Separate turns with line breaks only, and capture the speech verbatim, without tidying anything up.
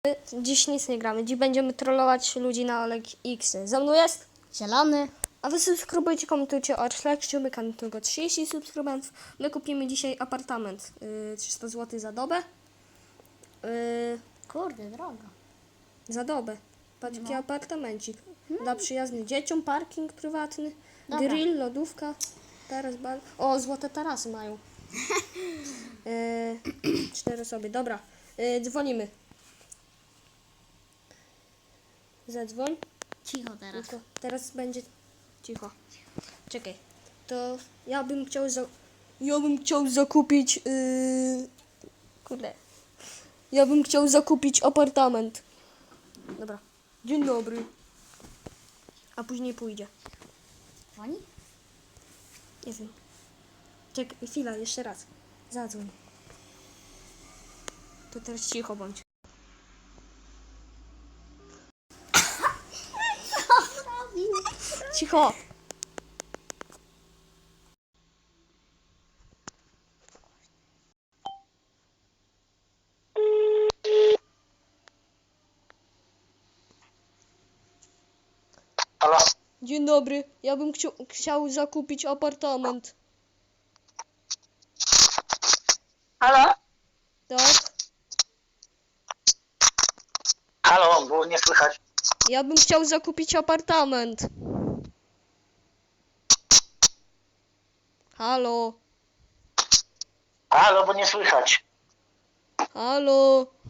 Dziś nic nie gramy. Dziś będziemy trollować ludzi na Oleg X. Za mną jest
Zielony.
A wy subskrybujcie, komentujcie oraz lajkcie, my kanał tylko trzydzieści subskrybentów. My kupimy dzisiaj apartament. Yy, trzysta złotych za dobę. Yy,
Kurde, drogo.
za dobę. Patrz, jaki
No.
apartamencik. Dla przyjaznych dzieciom, parking prywatny,
Dobra.
grill, lodówka. Taras bar. O, złote tarasy mają. Yy, cztery osoby. Dobra, yy, dzwonimy. Zadzwoń.
Cicho teraz.
Tylko teraz będzie cicho. Czekaj. To ja bym chciał za... Ja bym chciał zakupić yy... kurde. Ja bym chciał zakupić apartament. Dobra. Dzień dobry. A później pójdzie.
Dzwoni?
Nie wiem. Czekaj, chwila, jeszcze raz. Zadzwoń. To teraz cicho bądź. Cicho.
Halo?
Dzień dobry. Ja bym chciał, chciał zakupić apartament.
Halo?
Tak?
Halo, było nie słychać.
Ja bym chciał zakupić apartament. Halo?
Halo, bo nie słychać.
Halo?